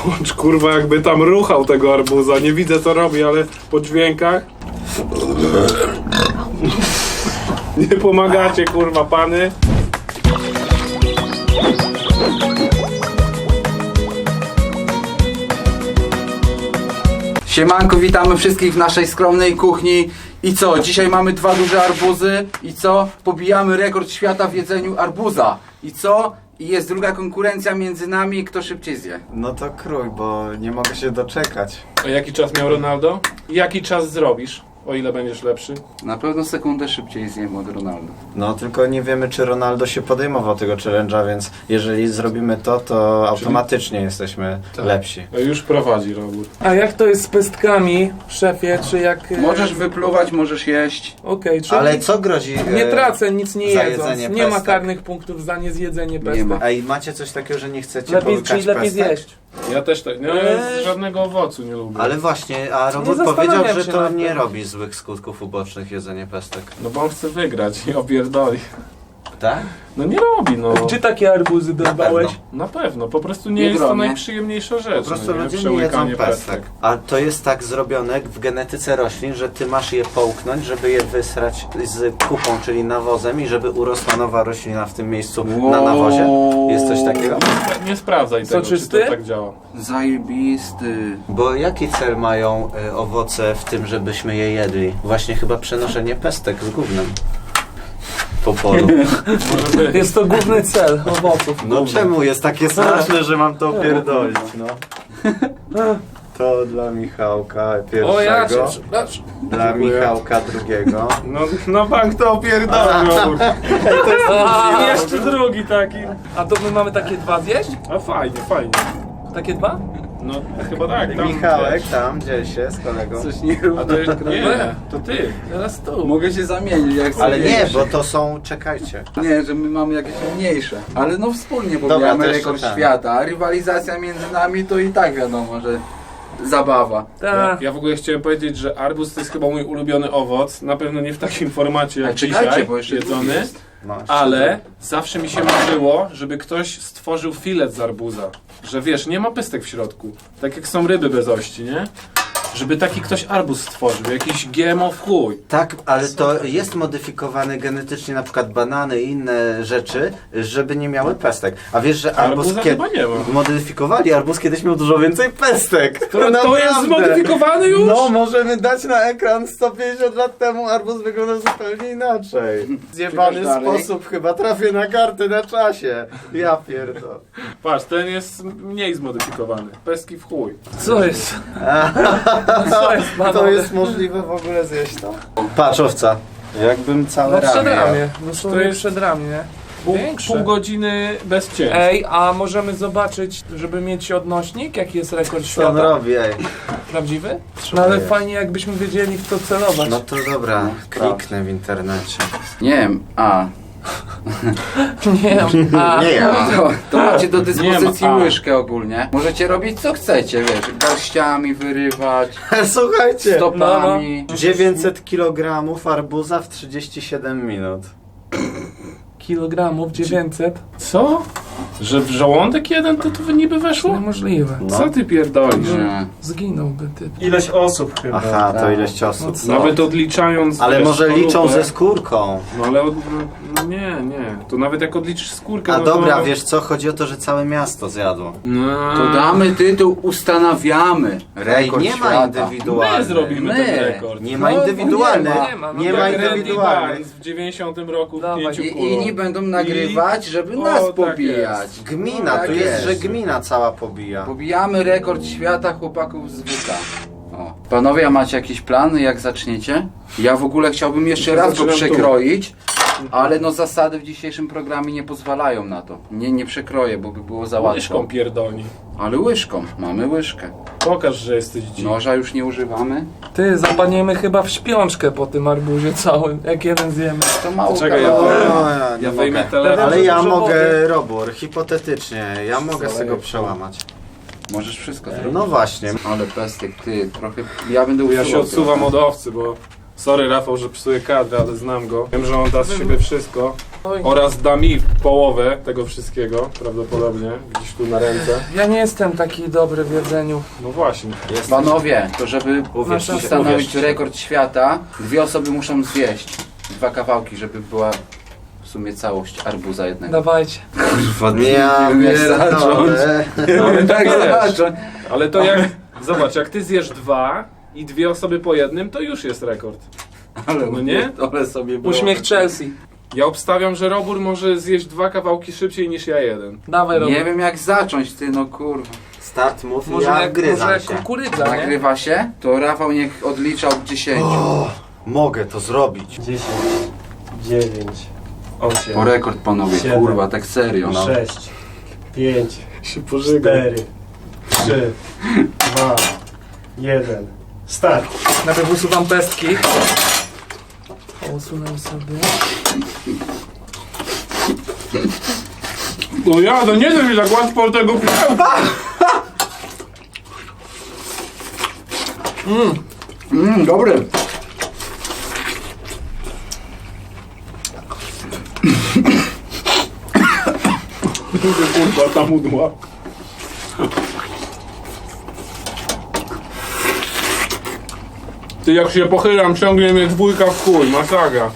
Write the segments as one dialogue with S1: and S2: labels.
S1: Łącz kurwa jakby tam ruchał tego arbuza. Nie widzę co robi, ale po dźwiękach. Nie pomagacie kurwa pany.
S2: Siemanko, witamy wszystkich w naszej skromnej kuchni. I co? Dzisiaj mamy 2 duże arbuzy. I co? Pobijamy rekord świata w jedzeniu arbuza. I co? I jest druga konkurencja między nami, kto szybciej zje.
S3: No to krój, bo nie mogę się doczekać.
S1: A jaki czas miał Ronaldo? Jaki czas zrobisz? O ile będziesz lepszy?
S2: Na pewno sekundę szybciej zjem od Ronaldo.
S3: No tylko nie wiemy, czy Ronaldo się podejmował tego challenge'a, więc jeżeli zrobimy to, to automatycznie jesteśmy lepsi.
S1: No już prowadzi Robór.
S4: A jak to jest z pestkami, szefie, czy jak...
S2: Możesz wypluwać, możesz jeść.
S4: Okej, czyli
S3: Ale co grozi?
S4: nie tracę nic nie
S3: za
S4: jedząc.
S3: jedzenie
S4: Nie ma
S3: pestek?
S4: karnych punktów za niezjedzenie
S2: Nie
S4: pestek.
S2: ma.
S3: Ej, macie coś takiego, że nie chcecie
S4: Lepiej,
S3: połykać
S4: czyli lepiej
S3: pestek?
S4: zjeść.
S1: Ja też tak. No, żadnego owocu nie lubię.
S3: Ale właśnie, a Robert
S4: zastanawiam
S3: powiedział, że
S4: się
S3: to
S4: nad
S3: nie
S4: tym.
S3: robi złych skutków ubocznych jedzenie pestek.
S1: No bo on chce wygrać i opierdoli.
S3: Tak?
S1: No nie robi, no.
S4: Gdzie takie arbuzy dorwałeś?
S1: Na pewno, po prostu nie
S2: Nie
S1: jest to
S2: gromię.
S1: najprzyjemniejsza rzecz.
S3: Po prostu
S1: no,
S3: ludzie nie
S1: Przełykanie
S3: jedzą pestek. A to jest tak zrobione w genetyce roślin, że ty masz je połknąć, żeby je wysrać z kupą, czyli nawozem i żeby urosła nowa roślina w tym miejscu na nawozie? Jest coś takiego?
S1: Nie sprawdzaj tego, czy
S4: Soczysty?
S1: to tak działa.
S2: Zajebisty.
S3: Bo jaki cel mają owoce w tym, żebyśmy je jedli? Właśnie chyba przenoszenie pestek z gównem po polu.
S1: Może być.
S4: Jest to główny cel owoców.
S3: No czemu jest takie straszne, że mam to pierdolić, no? To dla Michałka pierwszego,
S1: O ja cię przepraszam.
S3: dla
S1: Dziękuję.
S3: Michałka drugiego.
S1: No bank to opierdolił. Robór.
S4: A,
S1: I jeszcze drugi taki.
S4: a to my mamy takie 2 zjeść?
S1: A fajnie, fajnie.
S4: Takie 2?
S1: No chyba tak. Tam,
S3: Michałek tam, dziel się z kolegą.
S2: Coś nie
S1: A to jest,
S2: równo.
S1: nie, to ty.
S4: Teraz tu.
S2: Mogę się zamienić jak chcę.
S3: Ale nie, bo to są, czekajcie.
S2: Nie, że my mamy jakieś mniejsze. Ale no wspólnie
S3: Dobra,
S2: pobijamy
S3: to jeszcze
S2: rekord
S3: tak.
S2: świata. A rywalizacja między nami to i tak wiadomo, że zabawa.
S1: Ja,
S4: Tak.
S1: ja w ogóle chciałem powiedzieć, że arbuz to jest chyba mój ulubiony owoc. Na pewno nie w takim formacie jak
S2: Czekajcie,
S1: dzisiaj,
S4: No,
S2: bo jeszcze drugi
S1: jedzony.
S2: jest.
S3: Masz.
S1: Ale zawsze mi się marzyło, żeby ktoś stworzył filet z arbuza. Że wiesz, nie ma pestek w środku. Tak jak są ryby bez ości, nie? Żeby taki ktoś arbuz stworzył, jakiś GMO w chuj.
S3: Tak, ale to jest modyfikowane genetycznie, na przykład banany i inne rzeczy, żeby nie miały pestek. A wiesz, że arbuz
S1: Arbuza chyba nie ma.
S3: modyfikowali, arbuz kiedyś miał dużo więcej pestek.
S1: To jest
S3: Naprawdę.
S1: zmodyfikowany już?
S3: No, możemy dać na ekran 150 lat temu, arbuz wyglądał zupełnie inaczej. Zjebany
S2: dalej.
S3: sposób, chyba trafię na kartę na czasie. Ja pierdolę.
S1: Patrz, ten jest mniej zmodyfikowany. Pestki w chuj.
S4: Co jest? Co jest,
S3: To
S4: panowie?
S3: jest możliwe w ogóle zjeść to? Patrz, owca. Jakbym całe
S4: No
S3: ramię
S4: przed
S3: jadł.
S4: ramię. No
S1: To
S4: to
S1: jest-
S4: jest przed ramię, nie?
S1: Pół godziny bez cięć.
S4: Ej, a możemy zobaczyć, żeby mieć odnośnik, jaki jest rekord
S3: Co on
S4: świata?
S3: robi, ej?
S4: Prawdziwy? No ale
S3: jest.
S4: fajnie jakbyśmy wiedzieli w co celować.
S3: No to dobra, kliknę w internecie.
S2: Nie wiem,
S4: Nie wiem. A,
S3: Nie ja.
S2: to macie do dyspozycji
S1: Nie ma,
S2: łyżkę ogólnie. Możecie robić co chcecie, wiesz, garściami wyrywać,
S3: Słuchajcie,
S2: stopami.
S3: 900 kg arbuza w 37 minut.
S4: kilogramów 900?
S1: Co? Że w żołądek jeden to niby weszło?
S4: Niemożliwe.
S3: No.
S1: Co ty pierdolisz?
S2: Nie.
S4: Zginąłby typ.
S5: Ileś osób chyba.
S3: Aha, to ileś osób.
S4: No
S1: Nawet odliczając...
S3: Ale
S1: wiesz,
S3: może liczą
S1: skorupę.
S3: ze skórką.
S1: No ale nie. To nawet jak odliczysz skórkę...
S3: A
S1: no
S3: dobra,
S1: to...
S3: wiesz co? Chodzi o to, że całe miasto zjadło.
S1: No.
S2: To damy tytuł, ustanawiamy
S3: Ej,
S2: rekord
S3: nie ma
S2: świata.
S3: indywidualnych.
S1: My zrobimy
S2: My.
S1: ten rekord.
S3: Nie ma
S2: No,
S3: indywidualnych.
S4: nie ma, no
S3: Nie
S4: tak.
S3: ma
S1: Jak Randy
S3: indywidualnych.
S1: Barnes w 90 roku w
S4: Dawaj.
S1: 5
S2: I
S1: kulach.
S2: inni będą nagrywać, żeby nas
S1: tak
S2: pobijać.
S1: jest.
S3: Gmina,
S2: Tak
S3: tu jest, że
S2: jest.
S3: gmina cała pobija.
S2: Pobijamy rekord świata chłopaków z WK. O. Panowie, a macie jakieś plany, jak zaczniecie? Ja w ogóle chciałbym jeszcze raz go
S1: Zaczynam tu.
S2: przekroić, ale no zasady w dzisiejszym programie nie pozwalają na to. Nie przekroję, bo by było za łatwo.
S1: Łyżką pierdolni.
S2: Ale łyżką, mamy łyżkę.
S1: Pokaż, że jesteś dziwny.
S2: Noża już nie używamy.
S4: Ty, zapadniemy chyba w śpiączkę po tym arbuzie całym, jak jeden zjemy.
S2: To mało
S1: Czekaj, ja
S2: kalorii.
S3: O,
S1: Ja
S3: nie
S1: wyjmę
S3: mogę.
S1: telefon.
S3: Ale ja
S4: Dużo
S3: mogę,
S4: wody.
S3: Robur, hipotetycznie, ja mogę z tego przełamać.
S2: Możesz wszystko zrobić.
S3: No właśnie.
S2: Ale pestek, ty, trochę... Ja będę
S1: Ja się
S2: usuwał
S1: odsuwam
S2: trochę.
S1: od owcy, bo... Sorry Rafał, że psuję kadrę, ale znam go. Wiem, że on da z siebie wszystko.
S4: Oj.
S1: Oraz da mi połowę tego wszystkiego, prawdopodobnie, gdzieś tu na ręce.
S4: Ja nie jestem taki dobry w jedzeniu.
S1: No właśnie.
S2: Panowie, to żeby
S4: Uwierzcie,
S2: ustanowić
S1: uwierzcie.
S2: rekord świata, 2 osoby muszą zjeść 2 kawałki, żeby była w sumie całość arbuza jednego.
S4: Dawajcie.
S3: Ja
S2: wiem, jak zacząć.
S1: Ale tak
S2: Tak,
S1: wiesz.
S2: zobacz.
S1: Ale to jak, zobacz, jak ty zjesz 2 i 2 osoby po jednym, to już jest rekord.
S2: Ale,
S1: No nie?
S2: Ale sobie było.
S4: Uśmiech Chelsea.
S1: Ja obstawiam, że Robur może zjeść 2 kawałki szybciej niż ja jeden.
S4: Dawaj, Robert.
S2: Nie wiem jak zacząć, ty no kurwa.
S3: Start mów,
S4: Może
S3: ja
S4: jak,
S3: wgryzam
S4: może
S3: się.
S4: jak kukurydza, nie?
S2: Nagrywa się? To Rafał niech odlicza od 10.
S3: Mogę to zrobić.
S5: 10, 9, 8,
S2: Po rekord panowie,
S5: 7,
S2: kurwa, tak serio no.
S5: 6, 5,
S1: Się pożyga.
S5: 4, 3, 2, 1. Start!
S4: Najpierw usuwam pestki. Usunę sobie.
S1: No ja, to nie da mi tak łatwo tego pudełka.
S2: Dobry.
S1: Kurwa, ta mudła. Ty, jak się pochylam, ciągnie mnie dwójka w chuj, masakra.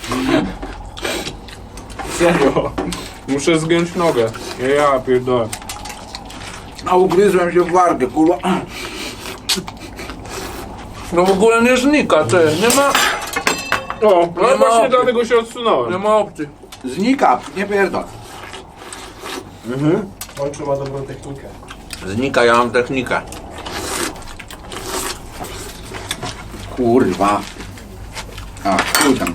S1: Serio. Muszę zgiąć nogę. Ja pierdolę.
S2: A ugryzłem się w wargę, kurwa.
S4: No w ogóle nie znika, ty. Nie ma...
S1: O, no
S4: Nie ma
S1: właśnie
S4: opcji.
S1: dlatego się odsunąłem.
S4: Nie ma opcji.
S2: Znika, nie pierdol.
S5: Łączu ma dobrą technikę.
S3: Znika, ja mam technikę.
S2: Kurwa. A, chuj tam.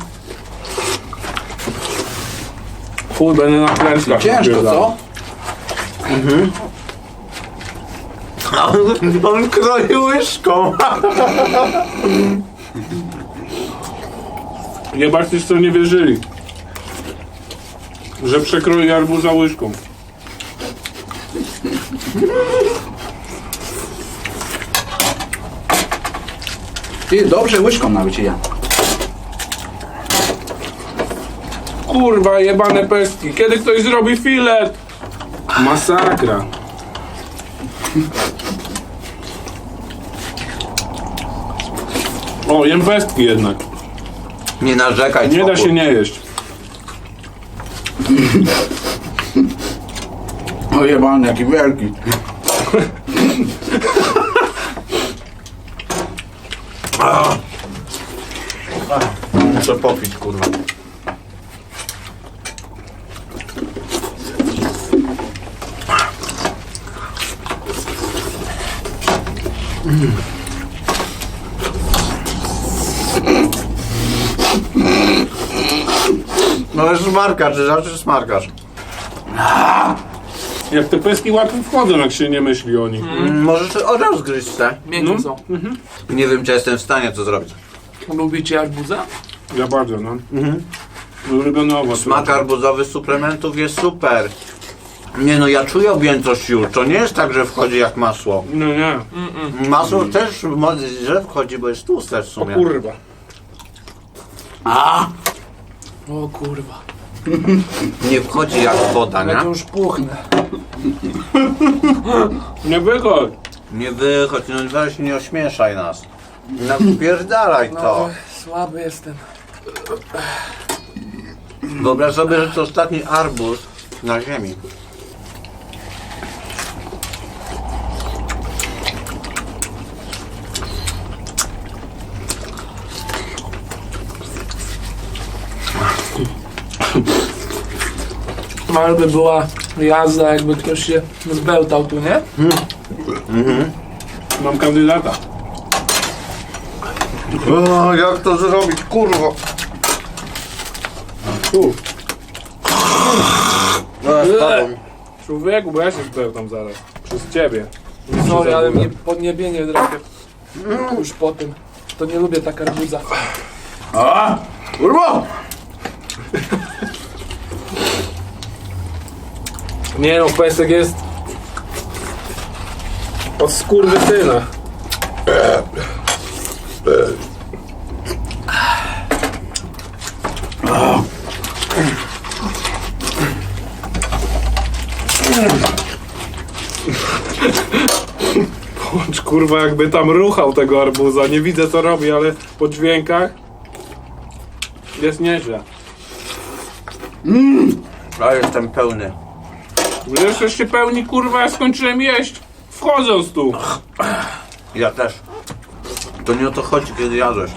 S1: Chuj, będę na klęskach.
S2: Ciężko, co?
S3: On kroi łyżką.
S1: Jebać co nie wierzyli. Że przekroi arbuza łyżką.
S2: Ty, dobrze łyżką nawet ja.
S1: Kurwa, jebane pestki. Kiedy ktoś zrobi filet? Masakra. O, jem pestki jednak.
S3: Nie narzekaj,
S1: Nie da
S3: spokój.
S1: się nie jeść.
S2: O jebany, jaki wielki.
S3: Muszę popić, kurwa. No ale smarkasz, że zawsze smarkasz.
S1: Jak te pestki łatwo wchodzą, jak się nie myśli o nich.
S3: Możesz od razu zgryźć te.
S4: Miękkie
S1: No.
S4: są.
S3: Nie wiem, czy jestem w stanie to zrobić.
S4: Lubicie arbuza?
S1: Ja bardzo, no. Ulubiony owoc.
S3: Smak arbuzowy z suplementów jest super. Nie no, ja czuję objętość już. To nie jest tak, że wchodzi jak masło.
S1: No nie.
S3: Masło też źle wchodzi, bo jest tłuste w
S1: O
S3: sumie.
S1: kurwa.
S4: O kurwa.
S3: Nie wchodzi jak woda,
S4: Ja to
S3: nie?
S4: już puchnę.
S1: Nie wychodź.
S3: Nie wychodź, no weź nie ośmieszaj nas. Napierdalaj
S4: No,
S3: to.
S4: słaby jestem.
S3: Wyobraź sobie, że to ostatni arbuz na ziemi.
S4: Ale by była jazda, jakby ktoś się zbełtał tu, nie?
S1: Mam kandydata.
S3: O, jak to zrobić, kurwa?
S1: Tu.
S3: Zaraz
S1: Człowieku, bo ja się spełtam zaraz. Przez ciebie.
S4: Sorry, ale mnie podniebienie drapie. Już po tym. To nie lubię tak arbuza.
S2: A! Kurwa!
S1: Nie no, pesek jest od skurwysyna. Łącz kurwa jakby tam ruchał tego arbuza. Nie widzę co robi, ale po dźwiękach jest nieźle.
S3: A jestem pełny.
S1: Wy jesteście pełni kurwa, ja skończyłem jeść wchodząc tu.
S3: Ja też. To nie o to chodzi, kiedy jadłeś.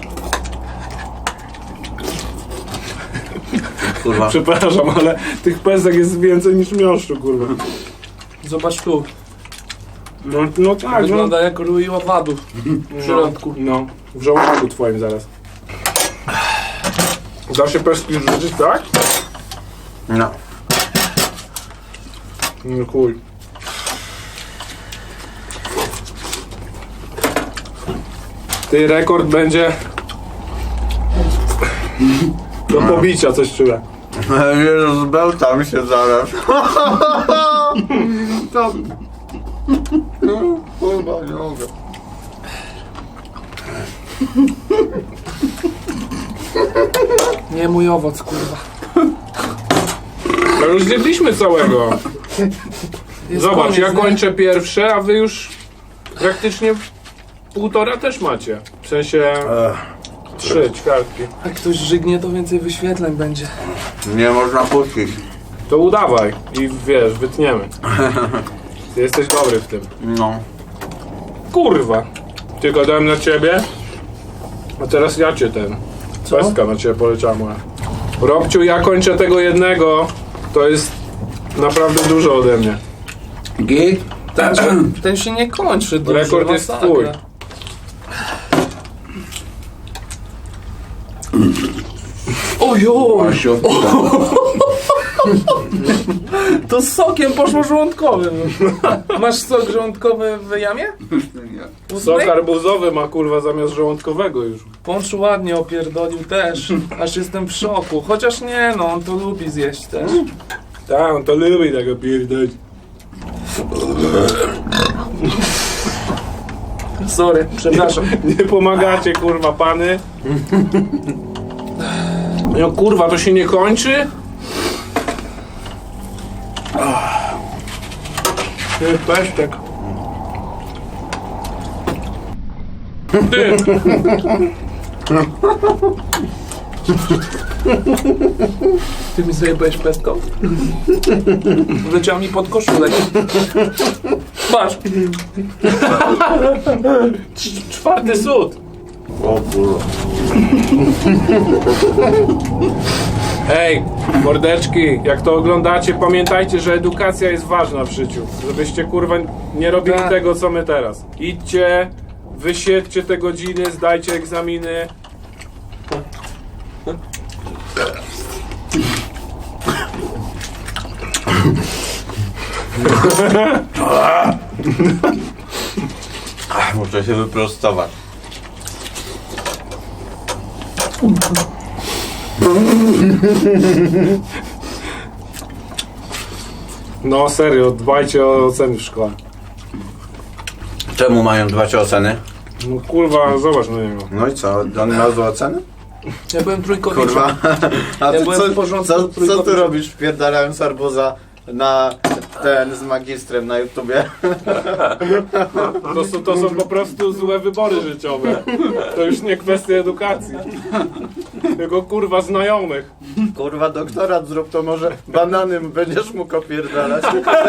S3: Kurwa.
S1: Przepraszam, ale tych pesek jest więcej niż miąższu kurwa.
S4: Zobacz tu.
S1: No tak, no.
S4: Wygląda jak rój owadów w środku.
S1: No, w żołądku twoim zaraz. Da się peski rzucić, tak?
S3: No.
S1: No chuj. Ty, rekord będzie do pobicia, coś czuję.
S3: Jezus, bełtam się zaraz. To... Kurwa, nie mogę.
S4: Nie mój owoc, kurwa.
S1: No już zjedliśmy całego.
S4: Jest
S1: Zobacz,
S4: koniec,
S1: ja
S4: nie?
S1: kończę pierwsze, a wy już praktycznie półtora też macie. W sensie 3 ćwiartki.
S4: Jak ktoś żygnie, to więcej wyświetleń będzie.
S3: Nie można puścić.
S1: To udawaj i wiesz, wytniemy. Ty jesteś dobry w tym.
S3: No.
S1: Kurwa! Ty gadałem na ciebie, a teraz ja cię Peska na ciebie poleciała moja. Robciu, ja kończę tego jednego. To jest naprawdę dużo ode mnie.
S2: Git?
S4: Ten się nie kończy dużo.
S1: Rekord jest
S4: masakra.
S1: twój.
S4: Ojoj! To z sokiem poszło żołądkowym. Masz sok żołądkowy w jamie?
S1: Sok arbuzowy ma kurwa zamiast żołądkowego już.
S4: Pącz ładnie opierdolił też. Aż jestem w szoku. Chociaż nie no, on to lubi zjeść też.
S1: Tak, on to lubi tego pierdolić.
S4: Sorry, przepraszam.
S1: Nie pomagacie kurwa pany. No kurwa, to się nie kończy? Ty, pesztek. Ty.
S4: Ty mi zajebałeś pestką? Wleciał mi pod koszulek. Patrz.
S1: Czwarty sód.
S3: O kurwa.
S1: Hej, mordeczki, jak to oglądacie, pamiętajcie, że edukacja jest ważna w życiu. Żebyście kurwa nie robili
S4: Tak.
S1: tego, co my teraz. Idźcie, wysiedźcie te godziny, zdajcie egzaminy.
S3: Muszę się wyprostować.
S1: No serio, dbajcie o oceny w szkole.
S3: Czemu mają dbać o oceny?
S1: No kurwa, zobacz na niego.
S3: No i co? On ma złe oceny?
S4: Ja byłem trójkowiczem.
S3: Kurwa. A
S4: Ja
S3: ty
S4: byłem w porządku
S3: co ty
S4: trójkowiczem.
S3: robisz wpierdalając arbuza na ten z magistrem na YouTubie?
S1: To są po prostu złe wybory życiowe. To już nie kwestia edukacji. Tylko kurwa znajomych.
S3: Kurwa, doktorat zrób, to może banany będziesz mógł opierdalać.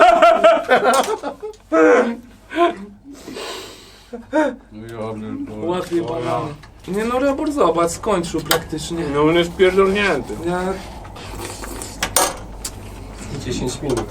S4: Łatwiej banany. Nie no, Robor, zobacz, skończył praktycznie.
S1: No on jest pierdolnięty.
S4: Ja...
S5: 10 minut.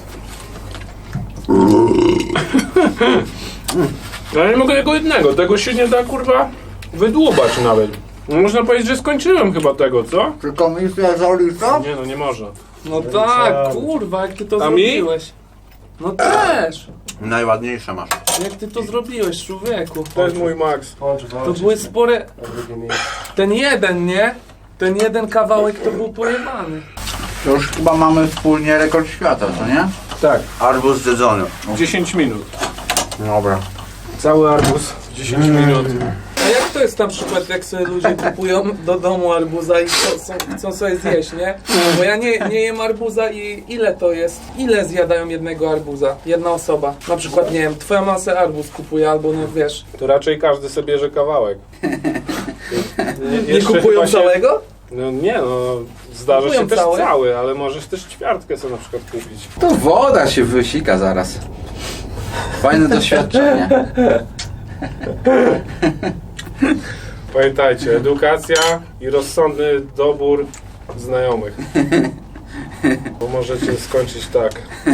S1: Ja nie mogę tego jednego, tego się nie da kurwa wydłubać nawet. No, można powiedzieć, że skończyłem chyba tego, co?
S2: Czy komisja zalicza?
S1: Nie no, nie można.
S4: No tak, kurwa, jak ty to
S1: A mi?
S4: zrobiłeś. No też.
S3: Najładniejsze masz.
S4: Jak ty to zrobiłeś, człowieku.
S1: To jest mój max.
S5: Pącz
S4: To
S5: walczy
S4: były spore...
S5: na drugim miejscu.
S4: Ten jeden, nie? Ten jeden kawałek to był pojebany.
S2: To już chyba mamy wspólnie rekord świata, co nie?
S1: Tak,
S3: Arbuz zjedzony.
S1: 10 minut.
S3: Dobra.
S1: Cały arbuz w 10 minut.
S4: A jak jak to jest na przykład, jak sobie ludzie kupują do domu arbuza i chcą sobie zjeść, nie? Bo ja nie jem arbuza i ile to jest? Ile zjadają jednego arbuza? Jedna osoba. Na przykład, nie wiem, twoja masa arbuz kupuje albo, no wiesz,
S1: To raczej każdy sobie bierze kawałek.
S4: nie
S1: Jeszcze
S4: kupują
S1: chyba się-
S4: całego?
S1: No nie no, zdarza
S4: Kupują
S1: się też
S4: całe?
S1: cały, ale możesz też ćwiartkę sobie na przykład kupić.
S2: To woda się wysika zaraz. Fajne doświadczenie.
S1: Pamiętajcie, edukacja i rozsądny dobór znajomych. Bo możecie skończyć tak.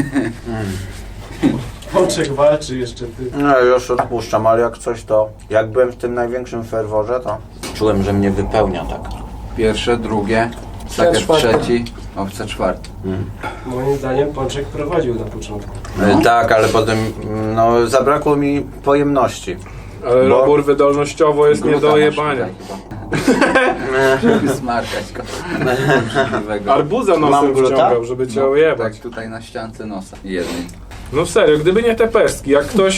S5: Pączek walczy jeszcze ty.
S3: No już odpuszczam, ale jak coś to... Jak byłem w tym największym ferworze, to czułem, że mnie wypełnia tak.
S2: Pierwsze, drugie, sakier
S4: czwarte.
S2: trzeci, owca czwarty.
S5: Moim zdaniem Pączek prowadził na początku.
S3: Tak, ale potem no, zabrakło mi pojemności.
S1: Ale
S3: Bo-
S1: robór wydolnościowo jest nie
S2: Gluta
S1: do
S2: masz
S1: jebania.
S2: tutaj chyba. Żeby smarkać go. Obrzydliwego.
S1: Arbuza
S3: Mam
S1: nosem
S3: gluta?
S1: wciągał, żeby cię ojebać.
S2: Tak tutaj na ściance nosa. Jednej.
S1: No serio, gdyby nie te pestki,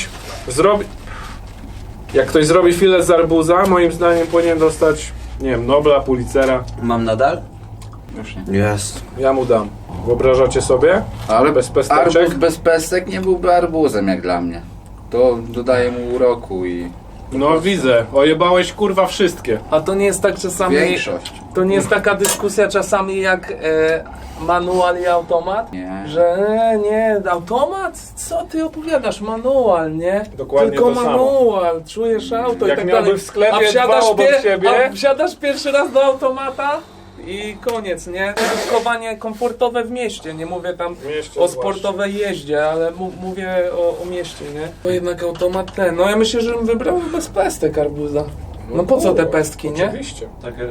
S1: jak ktoś zrobi filet z arbuza, moim zdaniem powinien dostać, nie wiem, Nobla, Pulitzera.
S2: Mam nadal? Już nie.
S3: Jest.
S1: Ja mu dam. Wyobrażacie sobie?
S2: Ale
S1: Bez pesteczek?
S2: arbuz bez pestek nie byłby arbuzem jak dla mnie. To dodaje mu uroku i
S1: No widzę, ojebałeś kurwa wszystkie.
S4: A to nie jest tak czasami...
S2: większość.
S4: To nie jest taka dyskusja czasami jak manual i automat?
S2: Nie.
S4: Że nie, automat? Co ty opowiadasz? Manual, nie?
S1: Dokładnie
S4: Tylko
S1: to samo.
S4: manual, czujesz auto
S1: Jak
S4: i tak
S1: miałby
S4: dalej.
S1: w sklepie
S4: A wsiadasz,
S1: dwa obok siebie?
S4: a wsiadasz pierwszy raz do automata i koniec, nie? Użytkowanie komfortowe w mieście, nie mówię tam
S1: W mieście
S4: o
S1: zwłaszcza.
S4: sportowej jeździe, ale mówię o mieście, nie? To jednak automat ten. No ja myślę, że bym wybrał bez pestek arbuza. No po co te
S1: kurwa,
S4: pestki, nie?
S1: Oczywiście.
S5: Takie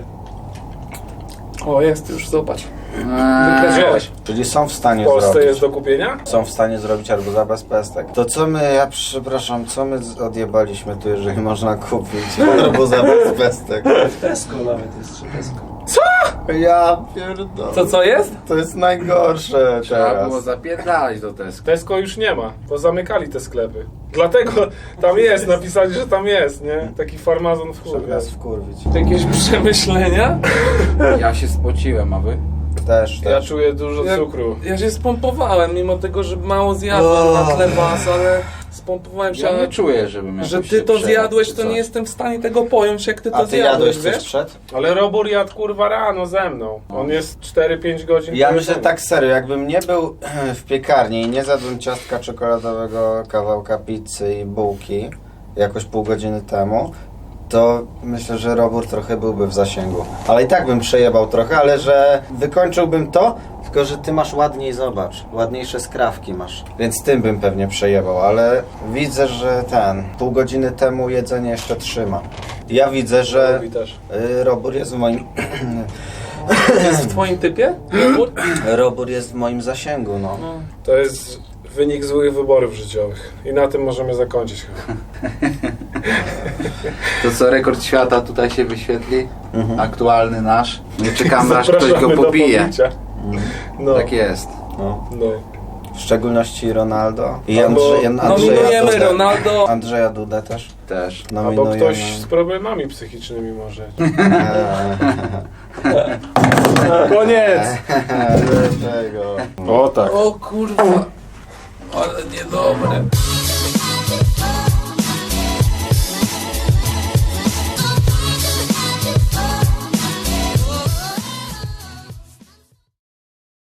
S4: O, jest już, zobacz.
S1: Gdzie?
S3: Czyli są w stanie
S1: W Polsce
S3: zrobić.
S1: jest do kupienia?
S3: Są w stanie zrobić arbuza bez pestek. To co my, ja przepraszam, co my odjebaliśmy tu, jeżeli można kupić arbuza bez pestek?
S5: Tesco nawet jest, czy Tesco.
S3: Ja pierdolę.
S4: Co jest?
S3: To jest najgorsze
S2: Trzeba
S3: teraz.
S2: było zapierdalać do Tesco.
S1: Tesco już nie ma, bo zamykali te sklepy. Dlatego tam jest, napisali, że tam jest, nie? Taki farmazon w
S3: Żeby
S1: chuj.
S3: nas wkurwić.
S4: Jakieś przemyślenia?
S2: Ja się spociłem, a wy?
S3: Też.
S1: Ja czuję dużo
S4: Ja-
S1: cukru.
S4: Ja się spompowałem, mimo tego, że mało zjadłem na tle was, ale spompowałem się,
S2: Ja
S4: ale
S2: nie czuję, żebym
S4: że
S2: jakoś
S4: ty
S2: się
S4: to
S2: przejął,
S4: zjadłeś,
S2: czy
S4: to
S2: coś.
S4: nie jestem w stanie tego pojąć, jak ty
S3: A
S4: to
S3: ty
S4: zjadłeś,
S3: jadłeś coś
S4: wiesz?
S3: przed?
S1: Ale Robur jadł kurwa rano ze mną. On jest 4-5 godzin
S3: Ja
S1: po
S3: myślę
S1: jedzeniu.
S3: tak serio, jakbym nie był w piekarni i nie zjadłem ciastka czekoladowego, kawałka pizzy i bułki jakoś pół godziny temu, to myślę, że Robur trochę byłby w zasięgu. Ale i tak bym przejebał trochę, ale że wykończyłbym to, tylko że ty masz ładniej, zobacz, ładniejsze skrawki masz. Więc tym bym pewnie przejebał, ale widzę, że pół godziny temu jedzenie jeszcze trzyma. Ja widzę, że
S1: Robi też.
S3: Robur jest w moim...
S4: Jest w twoim typie?
S3: Robur jest w moim zasięgu, no.
S1: To jest wynik złych wyborów życiowych. I na tym możemy zakończyć chyba.
S2: To co, rekord świata tutaj się wyświetli? Aktualny nasz. Nie czekamy aż ktoś go
S1: Zapraszamy do
S2: pobije.
S1: pobicia. No,
S2: Tak jest.
S3: no.
S1: no.
S3: W szczególności Ronaldo i
S1: Albo
S4: Nominujemy
S3: Dudę.
S4: Ronaldo.
S3: Andrzeja Dudę też.
S2: Też.
S1: Albo
S3: Nominujemy.
S1: ktoś z problemami psychicznymi może.
S3: Koniec! Tego.
S1: O tak.
S4: O kurwa, ale niedobre.